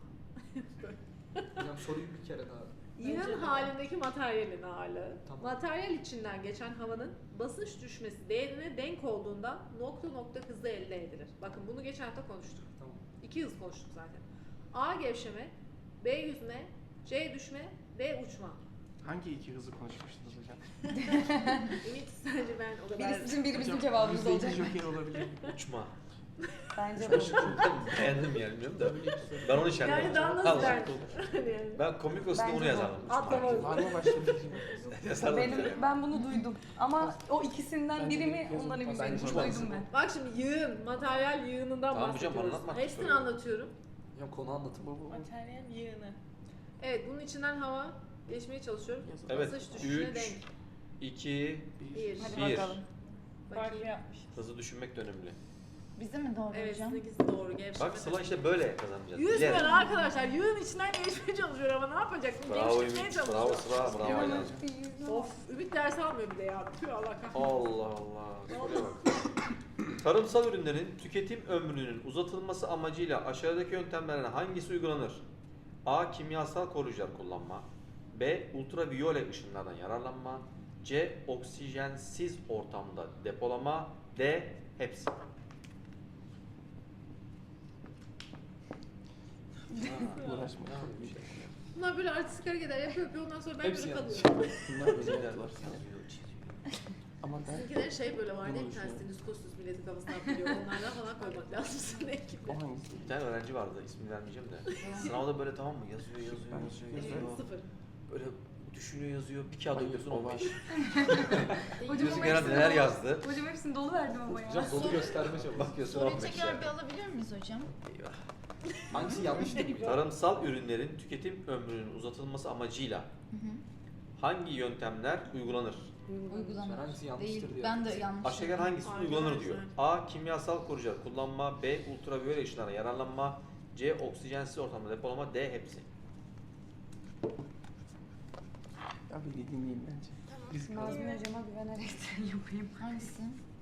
Speaker 4: Hocam soruyu bir kere daha.
Speaker 2: Yığın halindeki materyalin ağırlığı,
Speaker 4: Tamam.
Speaker 2: materyal içinden geçen havanın basınç düşmesi değerine denk olduğunda nokta nokta hızı elde edilir. Bakın bunu geçen hafta konuştuk.
Speaker 4: Tamam.
Speaker 2: 2 hız konuştuk zaten. A. Gevşeme, B. Yüzme, C. Düşme, D. Uçma.
Speaker 3: Hangi iki hızı konuşmuştunuz hocam?
Speaker 2: Ümit sence ben o kadar...
Speaker 5: Biri sizin biri bizim
Speaker 3: Hocam,
Speaker 5: cevabımız
Speaker 3: yüzde iki
Speaker 5: olacak.
Speaker 3: Joker olabilir.
Speaker 1: Uçma.
Speaker 5: Bence bu.
Speaker 1: Beğendim yani bilmiyorum da. Ben onu işaretledim.
Speaker 2: Yani daha nasıl
Speaker 1: Allah.
Speaker 2: der? Yani.
Speaker 1: Ben komik olsun diye
Speaker 5: Bence
Speaker 1: onu
Speaker 5: bu.
Speaker 1: yazardım.
Speaker 2: Atlama.
Speaker 3: Var mı başka bir şey?
Speaker 1: Yazardım şöyle.
Speaker 5: Ben bunu duydum. Ama o ikisinden biri mi
Speaker 4: Yazın.
Speaker 5: ondan emin
Speaker 4: Bence
Speaker 5: değilim.
Speaker 4: çok
Speaker 5: Duydum ben.
Speaker 2: Bak şimdi yığın, materyal yığınından
Speaker 1: Tamam hocam,
Speaker 2: bahsediyoruz.
Speaker 1: anlatmak
Speaker 2: Hepsini
Speaker 1: istiyorum.
Speaker 2: anlatıyorum.
Speaker 4: Hocam konu anlatın.
Speaker 6: Materyal yığını.
Speaker 2: Evet, bunun içinden hava geçmeye çalışıyorum.
Speaker 1: Evet.
Speaker 2: Basınç düşüşüne
Speaker 1: 3,
Speaker 2: denk.
Speaker 1: 2,
Speaker 2: Bir.
Speaker 5: Hadi
Speaker 1: Bir.
Speaker 5: bakalım.
Speaker 6: Farklı
Speaker 2: Bakayım.
Speaker 6: yapmış.
Speaker 1: hızı düşünmek de önemli.
Speaker 7: Bize mi doğru
Speaker 2: Evet,
Speaker 7: hocam?
Speaker 2: sizinkisi doğru. Gevşeme.
Speaker 1: Bak Sıla işte böyle kazanacağız.
Speaker 2: Yüzmüyor
Speaker 1: Bilerek.
Speaker 2: arkadaşlar. Yığın içinden geçmeye çalışıyor ama ne yapacaksın?
Speaker 1: Bravo
Speaker 2: Gevşetmeye
Speaker 1: Ümit.
Speaker 2: çalışıyor.
Speaker 1: Bravo Sıla. Bravo Aydan.
Speaker 2: Of, Ümit ders almıyor bir de ya. Tüh Allah kahretsin.
Speaker 1: Allah Allah. Soruya bak. Tarımsal ürünlerin tüketim ömrünün uzatılması amacıyla aşağıdaki yöntemlerden hangisi uygulanır? A. Kimyasal koruyucular kullanma. B. Ultraviyole ışınlardan yararlanma. C. Oksijensiz ortamda depolama. D. Hepsi.
Speaker 3: Uğraşma.
Speaker 2: Bunlar böyle artistik hareketler yapıyor ondan sonra ben
Speaker 4: Hepsi
Speaker 2: böyle
Speaker 4: yanlış.
Speaker 2: kalıyorum.
Speaker 3: Bunlar özellikler. Ama ben
Speaker 2: Sizinkilerin şey böyle var değil mi?
Speaker 3: Bunu
Speaker 2: Bir tane
Speaker 3: düşünüyorum.
Speaker 2: stetoskop milletin kafasına atıyor. Onlardan falan koymak lazım senin ekibine.
Speaker 3: o hangisi?
Speaker 1: Bir tane öğrenci vardı, ismini vermeyeceğim de. Sınavda böyle tamam mı? Yazıyor.
Speaker 2: Sıfır.
Speaker 1: Böyle düşünüyor, yazıyor. Bir kağıt
Speaker 3: Hayır,
Speaker 1: okuyorsun
Speaker 3: o var.
Speaker 1: 15.
Speaker 5: Hocam
Speaker 1: Diyorsun
Speaker 5: ama
Speaker 1: genelde
Speaker 5: hepsini
Speaker 1: neler
Speaker 5: dolu-
Speaker 1: yazdı.
Speaker 5: Hocam hepsini dolu verdim ama ya.
Speaker 4: Hocam dolu gösterme çabuk.
Speaker 1: Bakıyorsun
Speaker 7: Soruyu
Speaker 1: 15
Speaker 7: tekrar
Speaker 1: yani.
Speaker 7: bir alabilir miyiz hocam?
Speaker 1: Eyvah.
Speaker 4: Hangisi yanlış değil mi?
Speaker 1: Tarımsal ürünlerin tüketim ömrünün uzatılması amacıyla
Speaker 7: Hı hı.
Speaker 1: hangi yöntemler uygulanır?
Speaker 7: Uygulanır.
Speaker 4: Hangisi yanlıştır
Speaker 7: Değil.
Speaker 4: diye.
Speaker 7: Ben de yanlış.
Speaker 1: Aşağıdakilerden hangisi
Speaker 2: Aynen,
Speaker 1: uygulanır diyor.
Speaker 2: aynen.
Speaker 1: A. Kimyasal koruyucular kullanma. B. Ultraviyole ışınlara yararlanma. C. Oksijensiz ortamda depolama. D. Hepsi.
Speaker 3: Abi dinleyin bence. Biz
Speaker 5: Nazmi hocama güvenerek yapayım.
Speaker 7: Hangisi?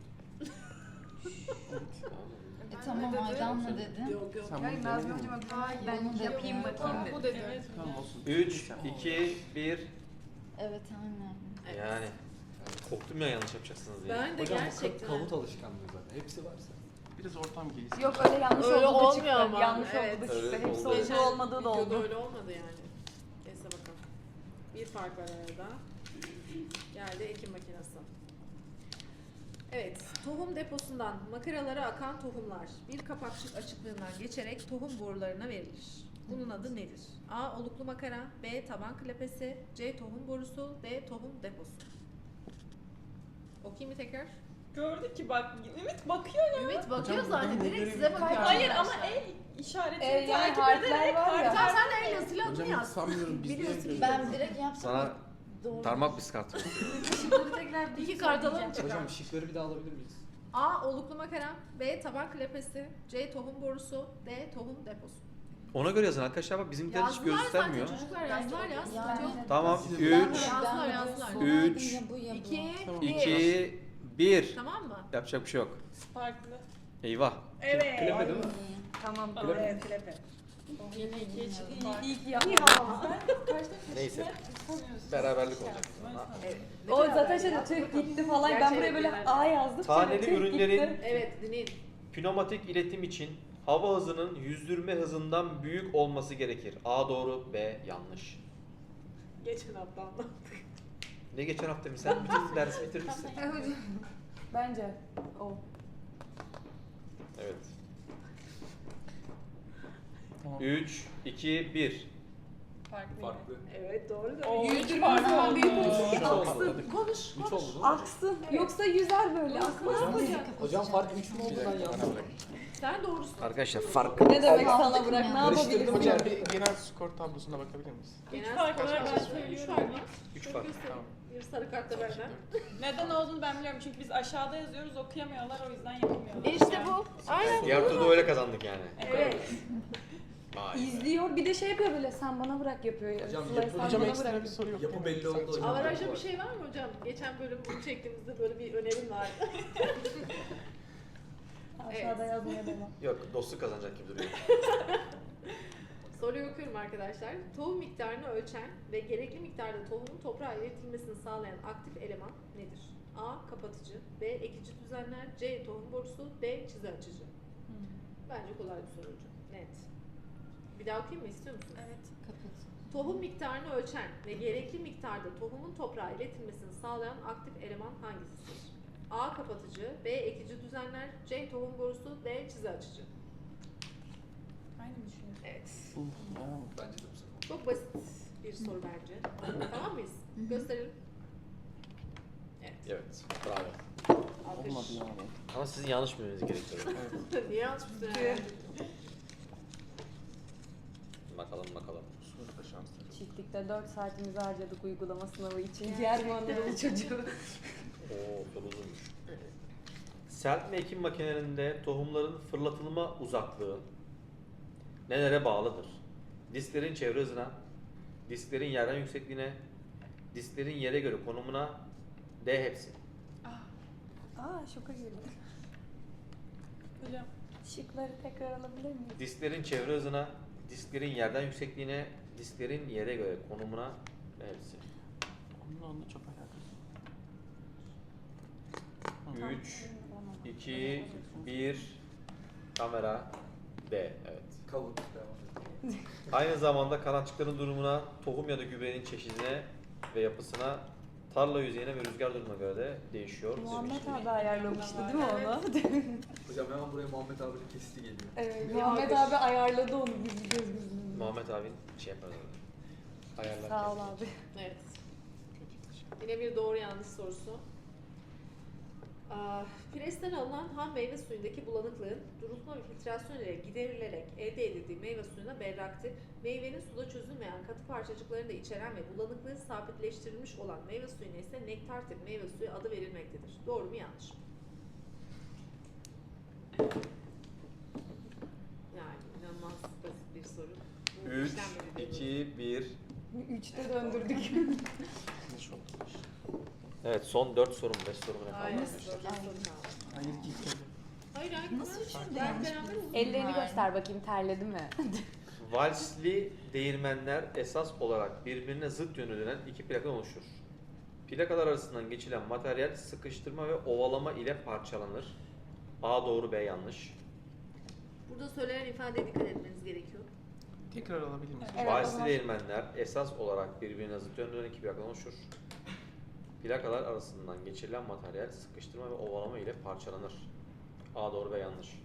Speaker 2: Ben
Speaker 7: Tamam
Speaker 2: ne dedim?
Speaker 7: Aydan mı dedi?
Speaker 2: Yok yok.
Speaker 3: Sen
Speaker 5: Hayır
Speaker 3: bunu
Speaker 5: Nazmi
Speaker 3: denedin mi?
Speaker 5: hocama güvenerek ben
Speaker 7: Bunu da
Speaker 5: yapayım
Speaker 7: yapıyorum.
Speaker 5: bakayım
Speaker 6: Bu
Speaker 5: dedi.
Speaker 6: dedi.
Speaker 3: Tamam olsun.
Speaker 1: 3, 2, 1.
Speaker 7: Evet aynen.
Speaker 2: Evet.
Speaker 1: Yani korktum ya yanlış yapacaksınız diye.
Speaker 2: Ben de
Speaker 4: Hocam bu
Speaker 2: gerçekten.
Speaker 4: kavut alışkanlığı zaten. Hepsi varsa.
Speaker 3: Biraz ortam gelişsin.
Speaker 5: Yok öyle yanlış
Speaker 2: Öyle
Speaker 5: oldu da
Speaker 2: olmuyor
Speaker 5: çıktı.
Speaker 2: ama.
Speaker 5: Yanlış
Speaker 2: Evet.
Speaker 5: oldu da
Speaker 1: Öyle
Speaker 5: çıktı. Hepsi
Speaker 1: oldu.
Speaker 5: olduğu olmadığı da
Speaker 2: videoda
Speaker 5: oldu.
Speaker 2: öyle olmadı yani. Neyse bakalım. Bir fark var arada. Geldi ekim makinesi. Evet, tohum deposundan makaralara akan tohumlar bir kapakçık açıklığından geçerek tohum borularına verilir. Bunun adı nedir? A. Oluklu makara, B. Taban klepesi, C. Tohum borusu, D. Tohum deposu. Okuyayım mı tekrar?
Speaker 6: Gördük ki bak Ümit bakıyor ya.
Speaker 2: Ümit bakıyor
Speaker 3: Hocam,
Speaker 2: zaten,
Speaker 3: buradan
Speaker 2: direkt
Speaker 3: bunları-
Speaker 2: size bakıyor.
Speaker 6: Hayır ama
Speaker 2: arkadaşlar.
Speaker 6: el işaretini
Speaker 5: Yani
Speaker 6: takip
Speaker 5: harfler
Speaker 6: ederek
Speaker 5: var ya.
Speaker 2: Tamam sen de el yazıyla adını
Speaker 3: Hocam hiç
Speaker 2: yaz.
Speaker 3: sanmıyorum biz
Speaker 2: Biliyorsun.
Speaker 3: niye
Speaker 7: Ben direkt yapsam
Speaker 1: Sana
Speaker 7: doğru.
Speaker 1: parmak biskart veriyorum.
Speaker 5: Şıkları tekrar
Speaker 2: İki kart alalım çıkar.
Speaker 4: Hocam şıkları bir daha alabilir miyiz?
Speaker 2: A. Oluklu makara, B. Taban klepesi, C. Tohum borusu, D. Tohum deposu.
Speaker 1: Ona göre yazın arkadaşlar, bak bizimkiler hiç
Speaker 2: Yazdılar
Speaker 1: göstermiyor.
Speaker 2: zaten çocuklar, yazdılar ya. Sıkıntı yok.
Speaker 7: Yani.
Speaker 1: Tamam,
Speaker 3: Siz-
Speaker 1: 3,
Speaker 2: Yazdılar, yazdılar.
Speaker 1: 3,
Speaker 7: Ya bu ya bu.
Speaker 2: 2,
Speaker 3: Tamam.
Speaker 1: 2, 1.
Speaker 2: Tamam mı?
Speaker 1: Yapacak bir şey yok.
Speaker 6: farklı.
Speaker 1: Eyvah.
Speaker 6: Evet.
Speaker 4: Klepe değil mi?
Speaker 5: Tamam.
Speaker 6: Evet klepe. Yine ikiye çıktı.
Speaker 5: İyi ki yaptın.
Speaker 1: Neyse. Beraberlik olacak.
Speaker 2: Evet.
Speaker 5: O zaten şeyde tüh gitti falan. Ben buraya böyle A yazdım.
Speaker 1: Taneli
Speaker 5: tüh
Speaker 1: ürünlerin
Speaker 5: gitti.
Speaker 2: Evet, dinleyin.
Speaker 1: pneumatik iletim için hava hızının yüzdürme hızından büyük olması gerekir. A doğru, B yanlış.
Speaker 2: Geçen hafta anlattık.
Speaker 1: Ne geçen hafta mı? Sen bütün dersi bitirmişsin.
Speaker 5: Bence o.
Speaker 1: Evet.
Speaker 3: Tamam.
Speaker 1: 3, 2, 1.
Speaker 6: Farklı.
Speaker 4: Farklı.
Speaker 2: Evet, doğru da.
Speaker 6: Oo,
Speaker 5: Yüzdürme
Speaker 6: üç farklı
Speaker 5: zaman
Speaker 6: oldu.
Speaker 5: büyük olsun.
Speaker 3: Üç oldu.
Speaker 5: Aksın.
Speaker 2: Konuş,
Speaker 4: 3
Speaker 2: konuş.
Speaker 4: oldu değil mi?
Speaker 5: Aksın. Yoksa yüzer böyle.
Speaker 4: Hocam,
Speaker 5: Aksın.
Speaker 4: hocam fark 3 mü oldu ben yandım?
Speaker 2: Sen doğrusun.
Speaker 1: Arkadaşlar fark.
Speaker 5: Ne demek
Speaker 7: Allah
Speaker 5: sana bırak? Ne
Speaker 7: Karıştırdım
Speaker 5: yapabiliriz?
Speaker 3: Hocam bir genel skor tablosuna bakabilir miyiz?
Speaker 2: Genel
Speaker 6: fark
Speaker 2: skor
Speaker 6: var, ben
Speaker 2: kaç?
Speaker 6: söylüyorum.
Speaker 2: 3 fark.
Speaker 1: 3 fark.
Speaker 3: Tamam.
Speaker 2: Bir sarı kart da benden.
Speaker 6: Neden olduğunu ben biliyorum çünkü biz aşağıda yazıyoruz okuyamıyorlar o yüzden yapamıyorlar.
Speaker 2: İşte bu. Aynen.
Speaker 1: Diğer turda öyle kazandık yani.
Speaker 2: Evet.
Speaker 1: Vay be.
Speaker 5: İzliyor. Bir de şey yapıyor böyle. Sen bana bırak yapıyor.
Speaker 4: Hocam,
Speaker 5: Sıla'yı
Speaker 4: yapı-
Speaker 5: sen
Speaker 3: Hocam
Speaker 5: bana
Speaker 3: ekstra
Speaker 5: bırak.
Speaker 3: bir soru yok.
Speaker 4: Yapı
Speaker 3: değil mi?
Speaker 4: belli oldu hocam.
Speaker 2: Avaraja bir şey var mı hocam? Geçen bölüm bunu çektiğimizde böyle bir önerim vardı.
Speaker 5: Aşağıda yazmaya devam.
Speaker 1: Yok, dostluk kazanacak gibi duruyor.
Speaker 2: Soruyu okuyorum arkadaşlar. Tohum miktarını ölçen ve gerekli miktarda tohumun toprağa iletilmesini sağlayan aktif eleman nedir? A. Kapatıcı, B. Ekici düzenler, C. Tohum borusu, D. Çizi açıcı. Bence kolay bir soru hocam. Net. Bir daha okuyayım mı? İstiyor musunuz?
Speaker 7: Evet. Kapat.
Speaker 2: Tohum miktarını ölçen ve gerekli miktarda tohumun toprağa iletilmesini sağlayan aktif eleman hangisidir? A. Kapatıcı, B. Ekici düzenler, C. Tohum borusu, D. Çizi açıcı.
Speaker 6: Aynı mı düşünüyorsun?
Speaker 2: Evet.
Speaker 4: Bence de bu sefer.
Speaker 2: Çok basit bir soru bence. Tamam mıyız? Gösterelim. Evet.
Speaker 1: Evet, bravo.
Speaker 2: Alkış.
Speaker 3: Olmadı yani.
Speaker 1: Ama sizin yanlış bilmeniz gerekiyor.
Speaker 2: Niye yanlış bir soru?
Speaker 1: Bakalım.
Speaker 3: Soruda şanslı.
Speaker 5: Çiftlikte 4 saatimizi harcadık uygulama sınavı için. Diğer Anadolu çocuğu.
Speaker 1: Oo, soru uzunmuş. Serpme ekim makinelerinde tohumların fırlatılma uzaklığı nelere bağlıdır? Disklerin çevre hızına, disklerin yerden yüksekliğine, disklerin yere göre konumuna, D hepsi.
Speaker 5: Aa şoka girdim.
Speaker 6: Hocam
Speaker 5: Şıkları tekrar alabilir miyim?
Speaker 1: Disklerin çevre hızına, disklerin yerden yüksekliğine, disklerin yere göre konumuna ve hepsi.
Speaker 3: Onunla çok alakası.
Speaker 1: 3, 2, 1, kamera, D. Evet.
Speaker 4: Kavut devam edelim.
Speaker 1: Aynı zamanda kanatçıkların durumuna, tohum ya da gübrenin çeşidine ve yapısına, tarla yüzeyine ve rüzgar durumuna göre de değişiyor.
Speaker 5: Muhammed abi ayarlamıştı değil mi onu?
Speaker 4: Hocam hemen buraya Muhammed abinin kesiti geliyor.
Speaker 5: Evet, Muhammed abi ayarladı onu biz göz
Speaker 1: Muhammed abin şey yapar orada. Ayarlar.
Speaker 5: Sağ ol
Speaker 1: kendini.
Speaker 5: abi.
Speaker 2: Evet. Yine bir doğru yanlış sorusu. Presten alınan ham meyve suyundaki bulanıklığın durultma ve filtrasyon ile giderilerek elde edildiği meyve suyuna berraktir. Meyvenin suda çözülmeyen katı parçacıklarını da içeren ve bulanıklığı sabitleştirilmiş olan meyve suyuna ise nektar tip meyve suyu adı verilmektedir. Doğru mu yanlış mı? Yani inanılmaz basit bir soru. Bu
Speaker 1: 3,
Speaker 2: işlemleri
Speaker 1: 2, 1.
Speaker 5: 3'te döndürdük.
Speaker 3: Ne şok.
Speaker 1: Evet, son 4 sorum, 5 sorum ne kaldı
Speaker 2: Aynen.
Speaker 1: arkadaşlar?
Speaker 3: Hayır gitmedi.
Speaker 2: Hayır, hayır.
Speaker 7: Nasıl üçüncü
Speaker 2: Ben
Speaker 7: yanlış
Speaker 2: beraber
Speaker 7: bildim?
Speaker 5: Ellerini
Speaker 7: Yani.
Speaker 5: göster bakayım terledi mi?
Speaker 1: Valsli değirmenler esas olarak birbirine zıt yönde dönen iki plakadan oluşur. Plakalar arasından geçilen materyal sıkıştırma ve ovalama ile parçalanır. A doğru, B yanlış.
Speaker 2: Burada söylenen ifadeye dikkat etmeniz gerekiyor.
Speaker 3: Tekrar alabilir miyiz?
Speaker 5: Evet, o
Speaker 1: Valsli
Speaker 5: zaman.
Speaker 1: değirmenler esas olarak birbirine zıt yönde dönen iki plakadan oluşur. Plakalar arasından geçirilen materyal sıkıştırma ve ovalama ile parçalanır. A doğru ve yanlış.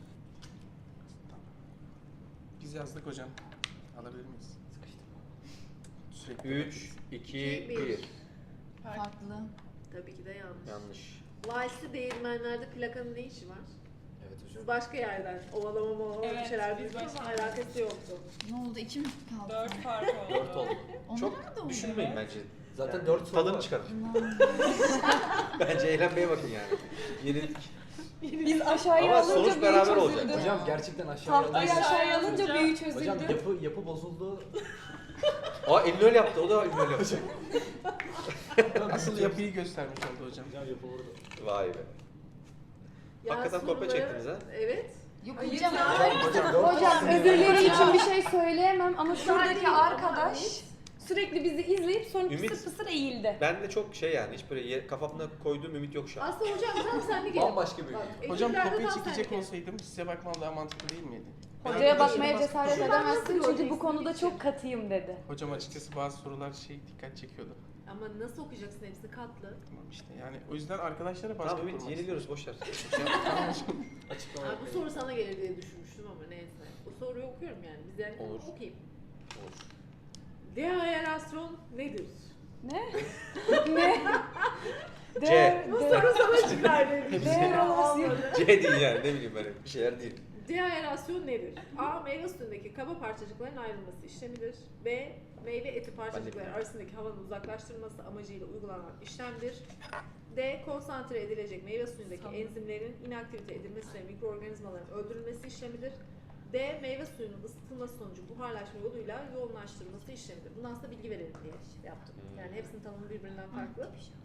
Speaker 3: Biz yazdık hocam. Alabilir miyiz? Sürekli
Speaker 1: 3, 2, 1.
Speaker 7: Farklı.
Speaker 2: Tabii ki de yanlış.
Speaker 1: Yanlış.
Speaker 2: Vaisli değirmenlerde plakanın ne işi var?
Speaker 4: Evet hocam.
Speaker 2: Siz başka yerden ovalama bir
Speaker 6: Evet,
Speaker 2: şeyler
Speaker 6: biz
Speaker 2: duydunuz ama
Speaker 6: başka
Speaker 2: alakası yoktu.
Speaker 7: Ne oldu? 2 mi kaldı?
Speaker 6: 4 fark oldu.
Speaker 1: 4 oldu.
Speaker 7: Onlar
Speaker 1: Çok
Speaker 7: da oldu.
Speaker 1: düşünmeyin bence.
Speaker 4: Zaten
Speaker 1: Yani
Speaker 4: 4 soru
Speaker 1: tadını
Speaker 4: var.
Speaker 1: çıkarın.
Speaker 7: İnanmıyorum.
Speaker 1: Bence eğlenmeye bakın yani. Yenilik.
Speaker 5: Biz aşağıya
Speaker 1: Ama
Speaker 5: alınca
Speaker 1: sonuç
Speaker 5: büyü
Speaker 1: beraber
Speaker 5: çözüldü.
Speaker 1: olacak.
Speaker 4: Hocam gerçekten aşağıya
Speaker 5: Tahtayı
Speaker 4: alınca.
Speaker 5: aşağıya alınca
Speaker 6: Hocam-
Speaker 5: büyü çözüldü.
Speaker 4: Hocam yapı bozuldu.
Speaker 1: Aa elini öyle yaptı. O da elini öyle yaptı.
Speaker 3: Asıl yapıyı göstermiş oldu hocam.
Speaker 4: Hocam yapı vurdu.
Speaker 1: Vay be. Hakikaten kopya
Speaker 2: soruları-
Speaker 1: çektiniz ha?
Speaker 2: Evet.
Speaker 7: Yok
Speaker 2: Hayır
Speaker 7: hocam.
Speaker 2: ya.
Speaker 4: Hocam 4
Speaker 5: Hocam özürleri için bir şey söyleyemem ama
Speaker 2: Müsaade
Speaker 5: şuradaki
Speaker 2: değil,
Speaker 5: arkadaş
Speaker 2: ama
Speaker 5: sürekli bizi izleyip sonra
Speaker 1: Ümit-
Speaker 5: pısır pısır eğildi.
Speaker 1: Ben de çok şey yani hiç böyle kafamda koyduğum ümit yok şu an.
Speaker 2: Aslında hocam tam senlik el.
Speaker 4: Bambaşka bir
Speaker 2: Bak,
Speaker 3: Hocam
Speaker 2: ekürlerde
Speaker 3: kopya
Speaker 2: tam
Speaker 3: çekecek
Speaker 2: senlik el.
Speaker 3: olsaydım size bakmam daha mantıklı değil miydi?
Speaker 5: Hocaya
Speaker 3: Arkadaşlara
Speaker 5: bakmaya
Speaker 3: baskı
Speaker 5: cesaret
Speaker 3: kuruyorum.
Speaker 2: Şuradan nasıl
Speaker 5: edemezsin çünkü
Speaker 2: göreceksin
Speaker 5: bu konuda
Speaker 2: Ümit'ciğim?
Speaker 5: çok katıyım dedi.
Speaker 3: Hocam açıkçası bazı sorular dikkat çekiyordu.
Speaker 2: Ama nasıl okuyacaksın hepsini katlı?
Speaker 3: Tamam işte yani o yüzden arkadaşlara baskı
Speaker 1: Tamam Ümit
Speaker 3: kurmak
Speaker 1: yeniliyoruz boşver.
Speaker 3: istedim. Tamam hocam.
Speaker 4: Açıklama
Speaker 2: Abi bu
Speaker 4: yapmayın.
Speaker 2: soru sana gelir diye düşünmüştüm ama neyse. Bu soruyu okuyorum yani. Biz yani
Speaker 1: Olur.
Speaker 2: okuyayım.
Speaker 1: Olur.
Speaker 2: Deaerasyon nedir?
Speaker 5: Ne? ne?
Speaker 1: C.
Speaker 2: Bu soru sana çıkar dedim.
Speaker 5: Deaerasyon.
Speaker 1: C değil yani ne bileyim ben bir şeyler değil.
Speaker 2: Deaerasyon nedir? A. Meyve suyundaki kaba parçacıkların ayrılması işlemidir. B. Meyve eti parçacıkları arasındaki havanın uzaklaştırılması amacıyla uygulanan işlemdir. D. Konsantre edilecek meyve suyundaki enzimlerin inaktivite edilmesi ve mikroorganizmaların öldürülmesi işlemidir. D. Meyve suyunun ısıtılması sonucu buharlaşma yoluyla yoğunlaştırılması işlemidir. Bunu aslında bilgi verelim diye yaptım. Yani hepsinin tanımı birbirinden farklı.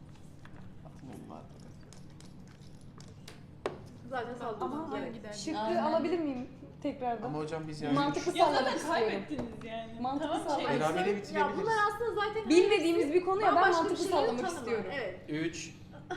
Speaker 2: Zaten
Speaker 6: Ama
Speaker 2: saldırmamız
Speaker 6: hangi
Speaker 2: gerek.
Speaker 6: derdi?
Speaker 5: Şıkkı
Speaker 7: Aynen.
Speaker 5: alabilir miyim tekrardan?
Speaker 3: Ama hocam biz yani
Speaker 5: Mantıklı
Speaker 6: Ya
Speaker 5: sallamak
Speaker 6: zaten
Speaker 5: istiyorum.
Speaker 6: kaybettiniz yani.
Speaker 5: Mantıklı
Speaker 6: Tamam,
Speaker 5: sallamak.
Speaker 6: şey-
Speaker 3: Beraber
Speaker 2: Ya
Speaker 3: bitirebiliriz.
Speaker 2: bunlar aslında zaten
Speaker 5: Bilmediğimiz bir konu ya ben
Speaker 2: bambaşka bir
Speaker 5: mantıklı
Speaker 2: şeylerin
Speaker 5: sallamak
Speaker 2: tanımı.
Speaker 5: istiyorum.
Speaker 2: Evet.
Speaker 1: 3.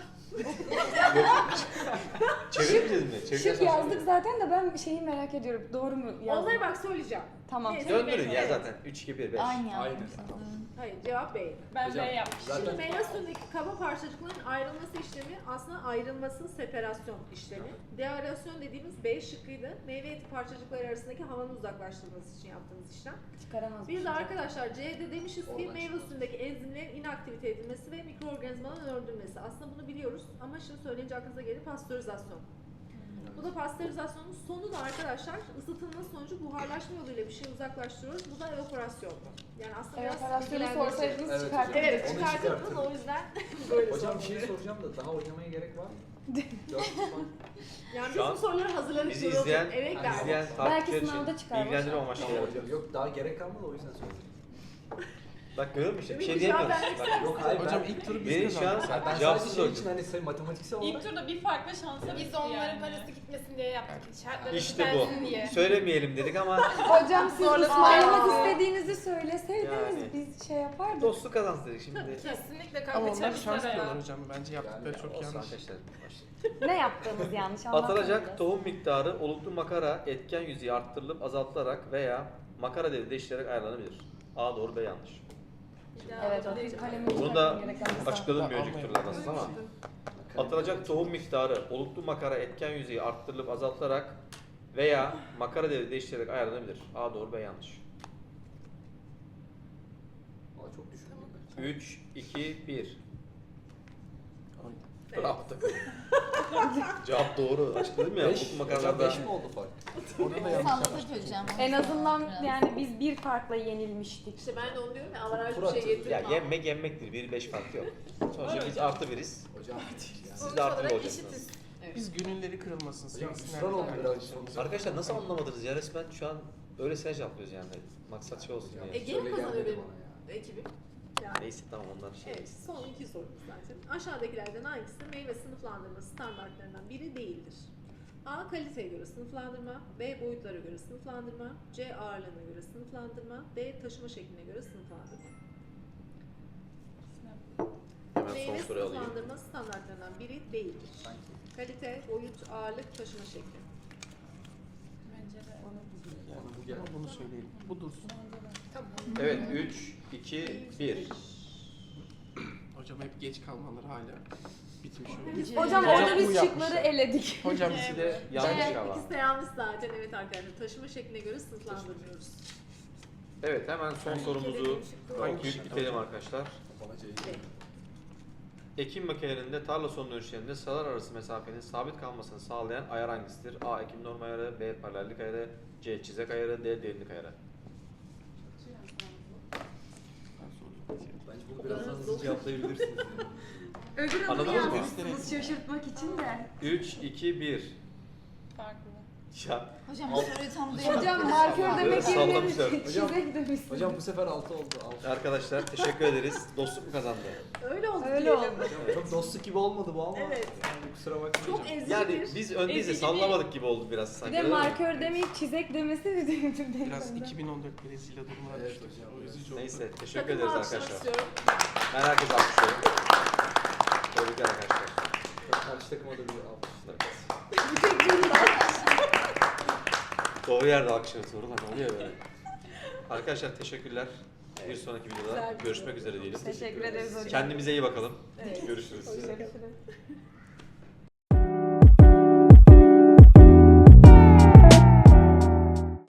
Speaker 1: Çevirmeyeceğiz mi? Çevireceğiz
Speaker 5: Şık
Speaker 1: mi?
Speaker 5: yazdık zaten de ben şeyi merak ediyorum. Doğru mu yazdım?
Speaker 2: Onları bak söyleyeceğim.
Speaker 5: Tamam.
Speaker 2: Neyse.
Speaker 1: Döndürün ya
Speaker 2: Evet.
Speaker 1: zaten. 3, 2, 1, 5.
Speaker 7: Aynı
Speaker 4: Aynen.
Speaker 7: yapmışsınız.
Speaker 2: Hayır cevap B.
Speaker 6: Ben
Speaker 4: Hocam,
Speaker 6: B yapmışım.
Speaker 4: zaten-
Speaker 2: Şimdi meyve suyundaki kaba parçacıkların ayrılması işlemi aslında ayrılması separasyon işlemi. Deaerasyon dediğimiz B şıkkıydı. Meyve eti parçacıkları arasındaki havanın uzaklaştırılması için yaptığımız işlem.
Speaker 5: Çıkaramaz.
Speaker 2: Bir de arkadaşlar C'de demişiz ki
Speaker 4: Oradan
Speaker 2: meyve
Speaker 4: çıkıyor.
Speaker 2: suyundaki enzimlerin inaktivite edilmesi ve mikroorganizmaların öldürülmesi. Aslında bunu biliyoruz ama şimdi söyleyince aklınıza gelir pastörizasyon. Bu da pastörizasyonun sonu da arkadaşlar ısıtılma sonucu buharlaşma yoluyla bir şey uzaklaştırıyoruz. Bu da evaporasyon. Yani aslında
Speaker 5: Evet,
Speaker 2: biraz
Speaker 5: operasyonu
Speaker 2: bilgilendirici.
Speaker 5: sorsaydınız
Speaker 4: Evet,
Speaker 5: çıkartırdık.
Speaker 2: Evet
Speaker 4: Onu
Speaker 2: çıkartırdınız
Speaker 4: çıkartın.
Speaker 2: o yüzden böyle
Speaker 4: Hocam bir
Speaker 2: sordum.
Speaker 4: şey soracağım da daha oynamaya gerek var mı? 4 puan.
Speaker 2: Yani
Speaker 1: Şu an
Speaker 2: bizim soruları hazırladık.
Speaker 1: Bizi
Speaker 2: böyle
Speaker 1: izleyen,
Speaker 2: oturup eve
Speaker 4: Hani
Speaker 2: geldik.
Speaker 1: izleyen
Speaker 5: Belki
Speaker 1: takipçiler
Speaker 5: sınavda
Speaker 1: için
Speaker 5: çıkar,
Speaker 1: bilgilendirme
Speaker 5: boş ver.
Speaker 1: amaçlı.
Speaker 4: Tamam hocam. Yok daha gerek kalmadı o yüzden söyledim.
Speaker 1: Bak görüyor musun işte bir şey
Speaker 2: Ümit, cevap
Speaker 1: diyemiyoruz.
Speaker 2: vermek
Speaker 1: Bak,
Speaker 4: Yok hayır
Speaker 3: Hocam
Speaker 4: ben,
Speaker 3: ilk turu biz
Speaker 1: Beni şu an
Speaker 3: kazandık.
Speaker 4: ben sadece
Speaker 1: cevapsız
Speaker 4: şey
Speaker 1: öldüm.
Speaker 4: için hani matematiksel olarak
Speaker 6: İlk turda bir farklı şansa
Speaker 8: Biz
Speaker 6: bitti
Speaker 8: de onların
Speaker 6: yani.
Speaker 8: parası gitmesin diye yaptık. Şartları
Speaker 1: İşte
Speaker 8: düzelsin
Speaker 1: bu.
Speaker 8: diye.
Speaker 1: Söylemeyelim dedik ama
Speaker 5: Hocam siz
Speaker 8: Zorla
Speaker 5: ısmarlamak
Speaker 8: ısmarlamak.
Speaker 5: istediğinizi söyleseydiniz
Speaker 1: Yani.
Speaker 5: biz şey yapardık.
Speaker 1: dostluk kazansın dedik şimdi.
Speaker 8: Kesinlikle
Speaker 3: Ama
Speaker 8: kanka
Speaker 3: onlar şans
Speaker 8: çalışmalara
Speaker 3: diyorlar
Speaker 8: ya.
Speaker 3: hocam. Bence yaptıkları
Speaker 4: Yani
Speaker 3: çok
Speaker 1: Olsun
Speaker 3: yanlış.
Speaker 1: arkadaşlar. başlayalım.
Speaker 5: Ne yaptığımız yanlış anlatmadınız.
Speaker 1: Atılacak tohum miktarı oluklu makara etken yüzeyi arttırılıp azaltılarak veya makara devri değiştirerek ayarlanabilir. A doğru B yanlış.
Speaker 5: Evet o bir kalemi
Speaker 1: Bunu da
Speaker 5: çıkartmam gereken bir
Speaker 1: açıkladım bir
Speaker 3: Tamam,
Speaker 1: önceki
Speaker 3: almayalım.
Speaker 1: turlarda ama. Atılacak tohum miktarı oluklu makara etken yüzeyi arttırılıp azaltılarak veya makara devri değiştirerek ayarlanabilir. A doğru B yanlış.
Speaker 4: Aa, çok düşündüm ben.
Speaker 1: 3, 2, 1.
Speaker 2: Evet.
Speaker 1: Bravo takım. Cevap doğru. Açıkladım ya.
Speaker 4: 5
Speaker 1: Oluklu makaralarda.
Speaker 4: 5 mi oldu fark?
Speaker 3: Orada da yanlış
Speaker 7: Salladık
Speaker 3: yapmıştık.
Speaker 7: hocam.
Speaker 5: En azından
Speaker 7: Biraz.
Speaker 5: yani biz bir farkla yenilmiştik.
Speaker 2: İşte ben de onu diyorum ya avaraj
Speaker 4: Tur
Speaker 2: bir şey
Speaker 4: atıyor.
Speaker 2: getirmem.
Speaker 1: Ya yenmek yenmektir. 1-5 fark yok. Sonuçta biz artı biriz.
Speaker 4: Hocam yani.
Speaker 1: Siz de artı bir
Speaker 8: olarak
Speaker 1: olacaksınız.
Speaker 8: eşitiz.
Speaker 3: Biz gönülleri kırılmasın.
Speaker 4: Hocam
Speaker 3: sevsinler
Speaker 4: ısrar oldu biraz.
Speaker 3: arkadaşlarımıza.
Speaker 1: Arkadaşlar nasıl anlamadınız ya resmen şu an öylesine cevaplıyoruz yani. Maksat şey olsun
Speaker 4: Hocam,
Speaker 1: diye.
Speaker 2: Ege mi
Speaker 4: söyle
Speaker 2: kazanıyor
Speaker 4: gelmedi
Speaker 2: benim
Speaker 4: bana ya.
Speaker 2: ekibim? Yani.
Speaker 1: Neyse tamam onlar şey.
Speaker 2: Evet, son iki sorumuz zaten. Aşağıdakilerden hangisi meyve sınıflandırma standartlarından biri değildir? A. Kaliteye göre sınıflandırma, B. Boyutlara göre sınıflandırma, C. Ağırlığına göre sınıflandırma, D. Taşıma şekline göre sınıflandırma.
Speaker 1: Hemen
Speaker 2: Meyve
Speaker 1: son soruyu alayım.
Speaker 2: sınıflandırma standartlarından biri değildir. Kalite, boyut, ağırlık, taşıma şekli.
Speaker 6: Bence de.
Speaker 3: Yani
Speaker 4: Bana bu geldi.
Speaker 3: ama bunu söyleyelim. Bu dursun.
Speaker 1: Evet 3, 2, 1.
Speaker 3: hocam. Hep geç kalmaları hala bitmiş oluyor.
Speaker 5: Hocam
Speaker 3: Hocam
Speaker 5: orada
Speaker 3: bu
Speaker 5: biz
Speaker 3: yapmışlar.
Speaker 5: şıkları eledik.
Speaker 3: Hocam bizi de
Speaker 1: Yanlış
Speaker 2: Evet,
Speaker 1: ama.
Speaker 2: ikisi de yanlış zaten. Evet arkadaşlar. Taşıma şekline göre sınıflandırmıyoruz.
Speaker 1: Evet, hemen son sorumuzu
Speaker 3: Hangi
Speaker 1: okuyup
Speaker 3: şık
Speaker 1: bitirelim
Speaker 3: hocam?
Speaker 1: arkadaşlar.
Speaker 2: Evet.
Speaker 1: Ekim makinelerinde tarla son dönüşlerinde sıralar arası mesafenin sabit kalmasını sağlayan ayar hangisidir? A. Ekim norm ayarı, B. Paralellik ayarı, C. Çizek ayarı, D. Derinlik ayarı.
Speaker 3: Ben soruyorum.
Speaker 4: Bence bunu biraz daha hızlı cevaplayabilirsiniz.
Speaker 5: Öbür adını
Speaker 1: Anladınız mı?
Speaker 5: yazmışsınız şaşırtmak için de.
Speaker 1: 3, 2, 1.
Speaker 6: Farklı.
Speaker 1: Ya,
Speaker 7: Hocam bu soruyu tam duyamadım.
Speaker 5: Hocam markör demek
Speaker 1: Sallamışlar.
Speaker 5: yerine çizek demişsiniz.
Speaker 4: Hocam bu sefer 6 oldu. 6.
Speaker 1: arkadaşlar teşekkür ederiz. Dostluk mu kazandı?
Speaker 2: Öyle oldu
Speaker 5: Öyle
Speaker 2: diyelim.
Speaker 5: oldu.
Speaker 4: Çok dostluk gibi olmadı bu ama.
Speaker 2: Evet.
Speaker 4: Yani kusura bakmayın.
Speaker 2: Çok ezici
Speaker 1: Yani
Speaker 2: bir.
Speaker 1: biz öndeyiz de
Speaker 6: Ezici
Speaker 1: sallamadık gibi oldu biraz
Speaker 5: Bir
Speaker 1: sanki.
Speaker 5: de
Speaker 1: öyle mi?
Speaker 5: markör demeyip çizek demesi de
Speaker 3: Biraz 2014 Brezilya durumuna
Speaker 4: Evet
Speaker 3: düştük.
Speaker 4: hocam,
Speaker 3: O
Speaker 4: evet.
Speaker 3: üzücü oldu.
Speaker 1: Neyse teşekkür
Speaker 2: Takımı
Speaker 1: ederiz
Speaker 2: alkışlamak
Speaker 1: arkadaşlar.
Speaker 2: istiyorum.
Speaker 1: Ben herkese alkışlıyorum. Tebrikler arkadaşlar.
Speaker 4: Karşı takıma da bir alkışlar.
Speaker 2: Bu tek bir
Speaker 1: Doğru yerde alkışlıyoruz. Doğru lan oluyor böyle. Arkadaşlar teşekkürler. Bir sonraki
Speaker 2: Güzel
Speaker 1: videoda
Speaker 2: bir
Speaker 1: görüşmek
Speaker 2: video.
Speaker 1: üzere diyelim.
Speaker 5: Teşekkür ederiz hocam.
Speaker 1: Kendimize iyi bakalım.
Speaker 2: Evet.
Speaker 1: Görüşürüz.
Speaker 5: Görüşürüz.